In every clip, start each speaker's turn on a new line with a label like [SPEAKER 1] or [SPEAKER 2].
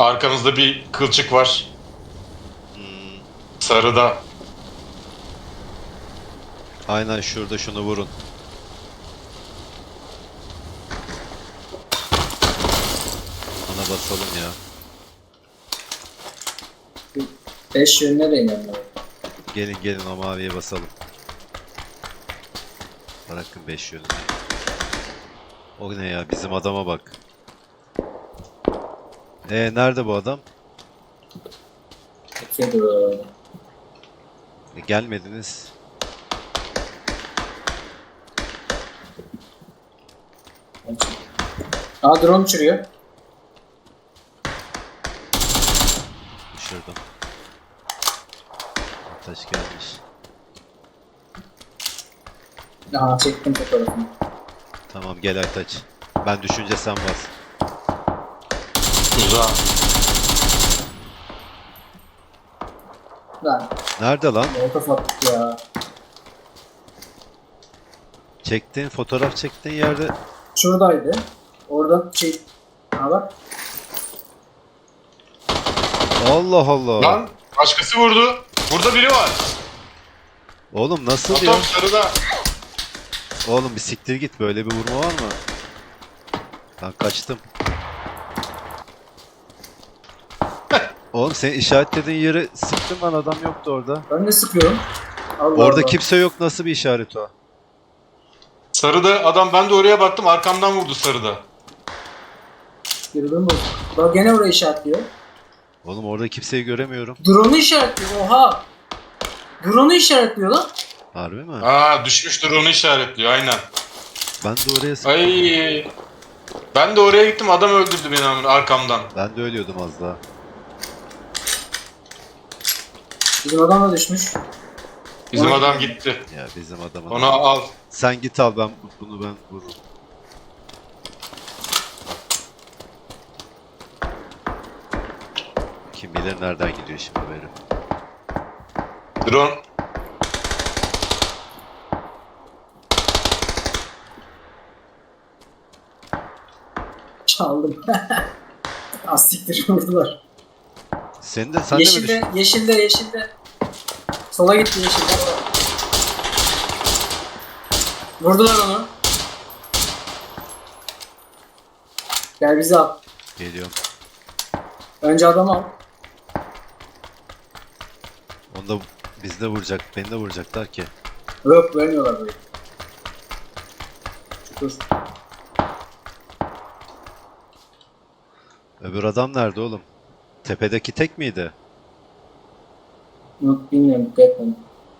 [SPEAKER 1] Arkamızda bir kılçık var. Sarıda.
[SPEAKER 2] Aynen şurada, şunu vurun. Ana basalım ya.
[SPEAKER 3] 5 yönüne de inanmıyorum.
[SPEAKER 2] Gelin gelin o maviye basalım. Bırakın 5 yönünü. O ne ya, bizim adama bak. Nerede bu adam?
[SPEAKER 3] Bakıyordu.
[SPEAKER 2] Gelmediniz.
[SPEAKER 3] Aa, drone uçuruyor.
[SPEAKER 2] Düşürdüm. Taş gelmiş.
[SPEAKER 3] Aha, çektim fotoğrafını.
[SPEAKER 2] Tamam gel Aytaç. Ben düşünce sen bas.
[SPEAKER 1] Güzel.
[SPEAKER 3] Lan
[SPEAKER 2] Nerede lan?
[SPEAKER 3] molotof attık ya.
[SPEAKER 2] Çektiğin fotoğraf çektiğin yerde.
[SPEAKER 3] Şuradaydı. Oradan şey... Ha bak.
[SPEAKER 2] Allah Allah.
[SPEAKER 1] Lan başkası vurdu. Burada biri var.
[SPEAKER 2] Oğlum nasıl ya?
[SPEAKER 1] Atom sarıda.
[SPEAKER 2] Oğlum bir siktir git, böyle bir vurma var mı? Ben kaçtım. Oğlum senin işaretlediğin yere sıktım, ben adam yoktu orada.
[SPEAKER 3] Ben de sıkıyorum. Allah
[SPEAKER 2] Orada
[SPEAKER 3] Allah.
[SPEAKER 2] kimse yok, nasıl bir işaret o?
[SPEAKER 1] Sarıda adam, ben de oraya baktım, arkamdan vurdu sarıda.
[SPEAKER 3] Girdim bu. Bak gene orayı işaretliyor.
[SPEAKER 2] Oğlum orada kimseyi göremiyorum.
[SPEAKER 3] Drone'u işaretliyor. Oha. Drone'u işaretliyor lan.
[SPEAKER 2] Harbi mi?
[SPEAKER 1] Aa, düşmüştür, onu işaretliyor aynen.
[SPEAKER 2] Ben de oraya sıktım.
[SPEAKER 1] Ay. Ben de oraya gittim, adam öldürdü beni arkamdan.
[SPEAKER 2] Ben de ölüyordum az daha.
[SPEAKER 3] Bizim adam da düşmüş.
[SPEAKER 1] Bizim
[SPEAKER 3] Ona
[SPEAKER 1] adam
[SPEAKER 3] gidiyor.
[SPEAKER 1] gitti.
[SPEAKER 2] Ya bizim adamın.
[SPEAKER 1] Onu al.
[SPEAKER 2] Sen git al, bunu ben vururum. Kim bilir nereden gidiyor şimdi beri.
[SPEAKER 1] Drone.
[SPEAKER 3] Çaldım. Astiktir vurdular.
[SPEAKER 2] Sen de mi düştün?
[SPEAKER 3] Yeşilde. Sola gitti yeşilde. Vurdular onu. Gel bizi al.
[SPEAKER 2] Geliyorum.
[SPEAKER 3] Önce adamı al.
[SPEAKER 2] Onu da biz de vuracak, beni de vuracaklar ki.
[SPEAKER 3] Yok, vermiyorlar burayı. Dur.
[SPEAKER 2] Öbür adam nerede oğlum? Tepedeki tek miydi?
[SPEAKER 3] Yok, bilmiyorum, dikkat etmedim.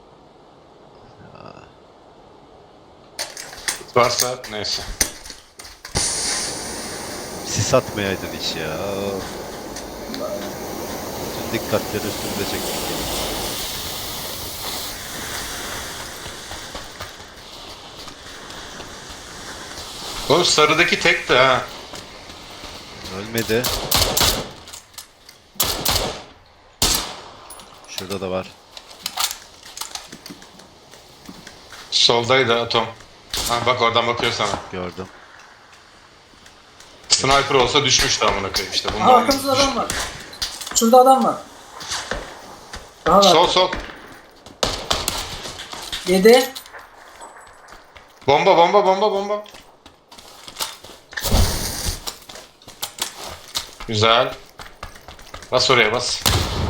[SPEAKER 1] Varsa neyse.
[SPEAKER 2] Sis atmayaydın hiç ya. Bütün dikkatleri üstümüze çektik.
[SPEAKER 1] Oğlum sarıdaki tekti ha.
[SPEAKER 2] Ölmedi. Şurada da var.
[SPEAKER 1] Soldaydı Atom. Ha, bak oradan bakıyor sana.
[SPEAKER 2] Gördüm.
[SPEAKER 1] Sniper olsa düşmüştü amına koyayım işte.
[SPEAKER 3] Aha, arkamızda adam var. Şurada adam var. Daha var.
[SPEAKER 1] Sol.
[SPEAKER 3] 7.
[SPEAKER 1] Bomba. Güzel. Bas oraya bas.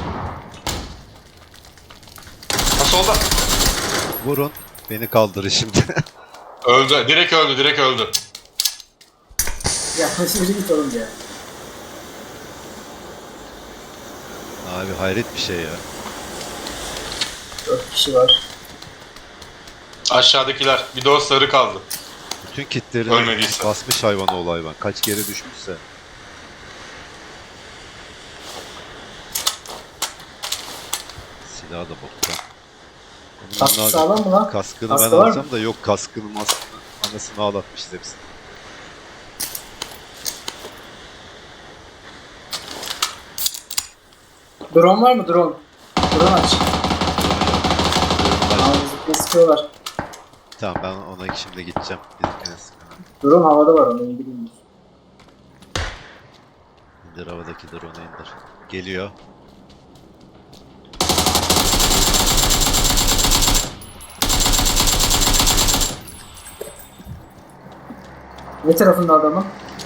[SPEAKER 1] Ha, solda.
[SPEAKER 2] Vurun. Beni kaldırın şimdi.
[SPEAKER 1] Öldü. Direkt öldü.
[SPEAKER 3] Ya şimdi git oğlum ya.
[SPEAKER 2] Abi hayret bir şey ya.
[SPEAKER 3] 4 kişi var.
[SPEAKER 1] Aşağıdakiler. Bir de o sarı kaldı.
[SPEAKER 2] Bütün kitleri
[SPEAKER 1] Ölmediyse.
[SPEAKER 2] basmış hayvan oğlu hayvan. Kaç kere düşmüşse. Silahı da boktan.
[SPEAKER 3] Kaskı sağlam mı lan?
[SPEAKER 2] Kaskını
[SPEAKER 3] Kaskı
[SPEAKER 2] ben
[SPEAKER 3] var
[SPEAKER 2] alacağım
[SPEAKER 3] mı?
[SPEAKER 2] da yok, kaskını anasını ağlatmışız hepsini.
[SPEAKER 3] Drone var mı? Drone. Drone aç. Aa, bizimkine sıkıyorlar.
[SPEAKER 2] Tamam ben ona şimdi gideceğim. Bizimkine sıkıyorum.
[SPEAKER 3] Drone havada var, onu bilmiyoruz.
[SPEAKER 2] İndir havadaki drone'u indir. Geliyor.
[SPEAKER 3] Ne tarafında adamın?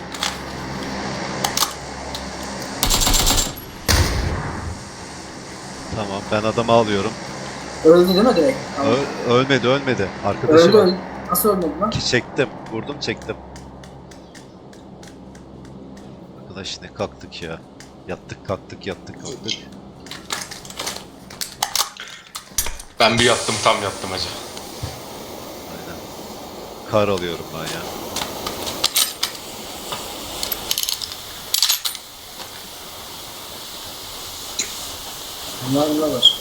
[SPEAKER 2] Tamam, ben adamı alıyorum.
[SPEAKER 3] Öldü değil mi direkt? Tamam.
[SPEAKER 2] Ölmedi, ölmedi. Arkadaşı
[SPEAKER 3] Öldü
[SPEAKER 2] var.
[SPEAKER 3] öldü. Nasıl ölmedi lan?
[SPEAKER 2] Çektim. Vurdum, çektim. Arkadaş ne kalktık ya. Yattık kalktık, yattık kalktık.
[SPEAKER 1] Ben bir yattım, tam yattım hacı.
[SPEAKER 2] Aynen. Kar alıyorum ben ya.
[SPEAKER 3] Bunlar var.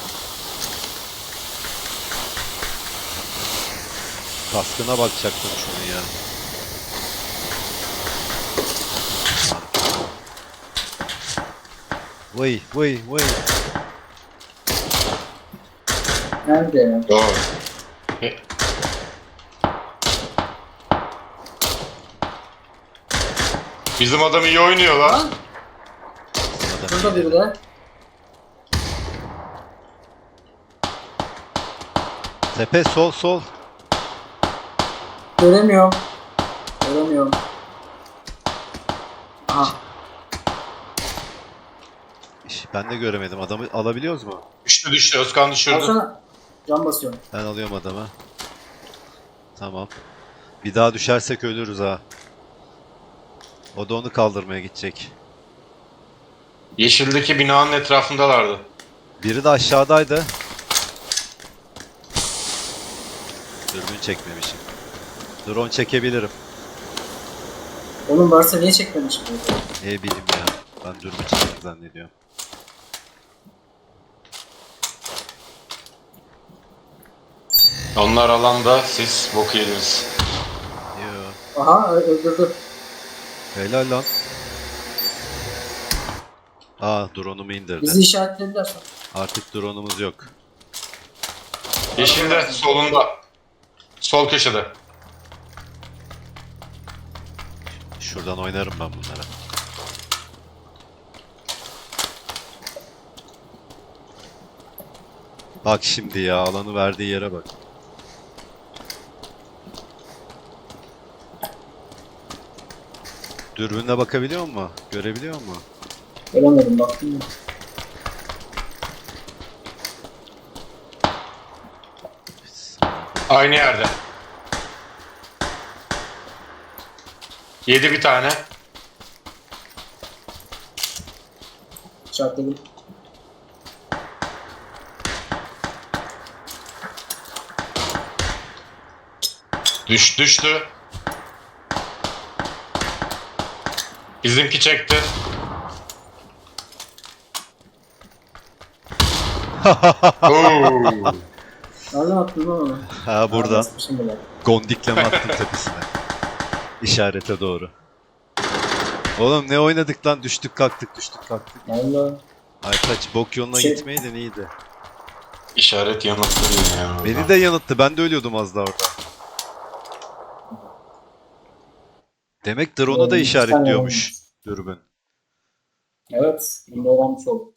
[SPEAKER 2] Kaskına bakacaktım şunu ya. Vay vay vay.
[SPEAKER 3] Nerede ya?
[SPEAKER 1] Doğru. E, Bizim adam iyi oynuyor lan.
[SPEAKER 3] Lan şurada biri de.
[SPEAKER 2] Tepe sol sol.
[SPEAKER 3] Göremiyorum. Göremiyorum. Aha.
[SPEAKER 2] Ben de göremedim. Adamı alabiliyoruz mu?
[SPEAKER 1] Düştü düştü. Özkan düşürdü.
[SPEAKER 3] Alsana. Can basıyorum.
[SPEAKER 2] Ben alıyorum adamı. Tamam. Bir daha düşersek ölürüz ha. O da onu kaldırmaya gidecek.
[SPEAKER 1] Yeşildeki binanın etrafındalardı.
[SPEAKER 2] Biri de aşağıdaydı. Dürbün çekmemişim. Drone çekebilirim.
[SPEAKER 3] Oğlum varsa niye çekmemiş bu?
[SPEAKER 2] Ne bileyim ya. Ben dürbün çektim zannediyorum.
[SPEAKER 1] Onlar alanda, siz bok yediniz.
[SPEAKER 2] Yo.
[SPEAKER 3] Aha öldürdü.
[SPEAKER 2] Helal lan. Aa, drone'umu indirdi.
[SPEAKER 3] Bizi işaretlediler sonra.
[SPEAKER 2] Artık drone'umuz yok.
[SPEAKER 1] Yeşilde, solunda. Sol köşede.
[SPEAKER 2] Şuradan oynarım ben bunlara. Bak şimdi ya, alanı verdiği yere bak. Dürbünle bakabiliyor musun? Görebiliyor musun?
[SPEAKER 3] Göremedim baktım mı?
[SPEAKER 1] Aynı yerde. Yedi bir tane.
[SPEAKER 3] İşaretledim.
[SPEAKER 1] Düştü. Bizimki çekti. Oo.
[SPEAKER 3] Nereden attın lan onu?
[SPEAKER 2] Ha, buradan.
[SPEAKER 3] Basmışım bile.
[SPEAKER 2] Gondikleme attım tepesine. İşarete doğru. Oğlum ne oynadık lan? Düştük kalktık, düştük kalktık.
[SPEAKER 3] Valla.
[SPEAKER 2] Aytaç bok yoluna
[SPEAKER 3] Şey-
[SPEAKER 2] gitmeydin iyiydi.
[SPEAKER 1] İşaret yanıttı yine ya.
[SPEAKER 2] Beni de yanılttı. Ben de ölüyordum az daha orada. Demek drone'u da
[SPEAKER 3] Oğlum, iki tane
[SPEAKER 2] işaretliyormuş
[SPEAKER 3] olmuş.
[SPEAKER 2] dürbün.
[SPEAKER 3] Evet. Bunda olan bir şey oldu.